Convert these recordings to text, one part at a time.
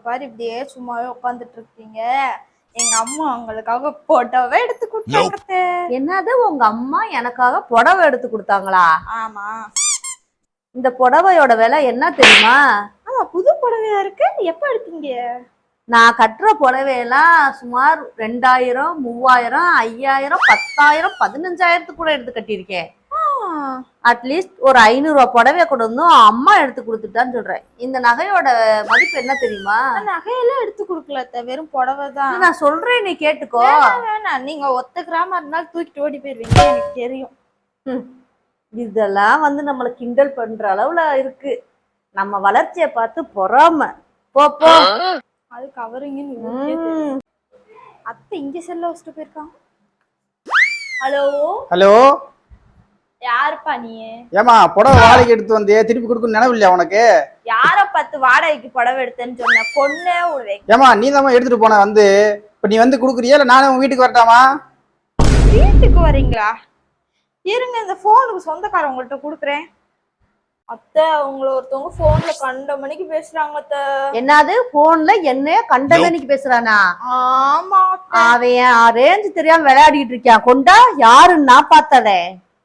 பாரு இப்படியே சும்மாவே உட்காந்துட்டு இருக்கீங்க. எங்க அம்மா உங்களுக்காக போட்டோவே எடுத்து கொடுத்தாங்க. என்னது உங்க அம்மா எனக்காக புடவை எடுத்து கொடுத்தாங்களா? ஆமா. இந்த புடவையோட விலை என்ன தெரியுமா? ஆமா, புது புடவையா இருக்கு. எப்ப எடுத்தீங்க? நான் கட்டுற புடவையெல்லாம் சுமார் 2000, 3000, 5000, 10,000, 15,000 கூட எடுத்து கட்டியிருக்கேன். அட்லீஸ்ட் ஒரு 500 ரூபாய் புடவைய கொண்டு வந்தும் அம்மா எடுத்து கொடுத்துட்டான்னு சொல்றேன். இந்த நகையோட மதிப்பு என்ன தெரியுமா? நகையெல்லாம் எடுத்து கொடுக்கல, வெறும் புடவை தான். நான் சொல்றேன், நீ கேட்டுக்கோ. வேணாம், நீங்க 1 கிராம இருந்தாலும் தூக்கிட்டு ஓடி போயிருவீங்க, எனக்கு தெரியும். இதெல்லாம் வந்து நம்மள கிண்டல் பண்ற அளவுல இருக்கு. நம்ம வளர்ச்சியை பார்த்து பொறாம போ. அது கவரிங்கன்னு அத்தை இங்க செல்ல வச்சுட்டு போயிருக்காங்க. ஹலோ ஹலோ, யாருப்பா நீ? ஏமா புடவை வாடகைக்கு எடுத்து வந்தே, திருப்பி கொடுக்கணும் நினைவு இல்லையா உனக்கு? யார பார்த்து வாடகைக்கு புடவை எடுத்தேன்னு சொன்ன? பொண்ணே ஒரு ஏமா நீ தான் எடுத்துட்டு போன வந்து. இப்ப நீ வந்து குடுக்குறியா இல்ல நானே உங்க வீட்டுக்கு வரட்டாமா? வீட்டுக்கு வரீங்களா? இருங்க, இந்த போனுக்கு சொந்தக்காரவங்கள்ட்ட குடுக்குறேன். அத்தை, உங்களை ஒருத்தவங்க போன்ல கண்ட மணிக்கு பேசுறாங்க அத்தை. என்னது போன்ல என்ன கண்ட மணிக்கு பேசுறானா? ஆமா, அவன் ரேஞ்சு தெரியாம விளையாடிட்டு இருக்கான். கொண்டா யாருன்னு நான் பார்த்ததே.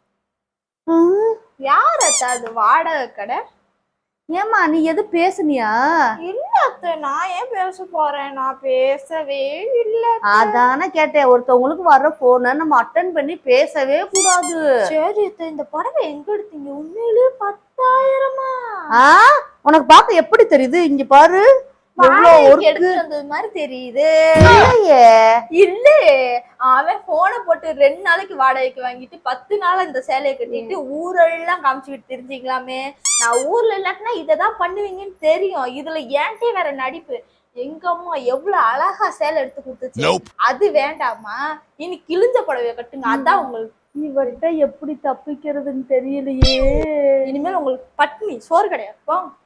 யார் அத்தை? அது வாடகை கடை. ஏமா நீ எது பேசுனியா? இல்ல அத்தை, நான் ஏன் பேச போறேன்? நான் பேசவே இல்ல. அதானே கேட்டேன். ஒருத்தவங்களுக்கு வர்ற போனை நம்ம அட்டன் பண்ணி பேசவே கூடாது. சரி அத்தை, இந்த புடவை எங்க எடுத்தீங்க? உண்மையிலே 10,000-ஆ? உனக்கு பார்க்க எப்படி தெரியுது? இங்க பாரு, எடுத்து வந்தது மாதிரி தெரியுது. இல்ல, அவன் போனை போட்டு 2 நாளைக்கு வாடகைக்கு வாங்கிட்டு 10 நாள் இந்த சேலையை கட்டிட்டு ஊரெல்லாம் காமிச்சுக்கிட்டு தெரிஞ்சுக்கலாமே. நான் ஊர்ல இல்லாட்டினா இததான் பண்ணுவீங்கன்னு தெரியும். இதுல ஏன்ட்டே வேற நடிப்பு. எங்க அம்மா எவ்வளவு அழகா சேலை எடுத்து கொடுத்துச்சு. அது வேண்டாமா? இனி கிழிஞ்ச புடவைய கட்டுங்க, அதான் உங்களுக்கு. இவர்கிட்ட எப்படி தப்பிக்கிறதுன்னு தெரியலையே. இனிமேல் உங்களுக்கு பட்னி சோறு கிடையாது.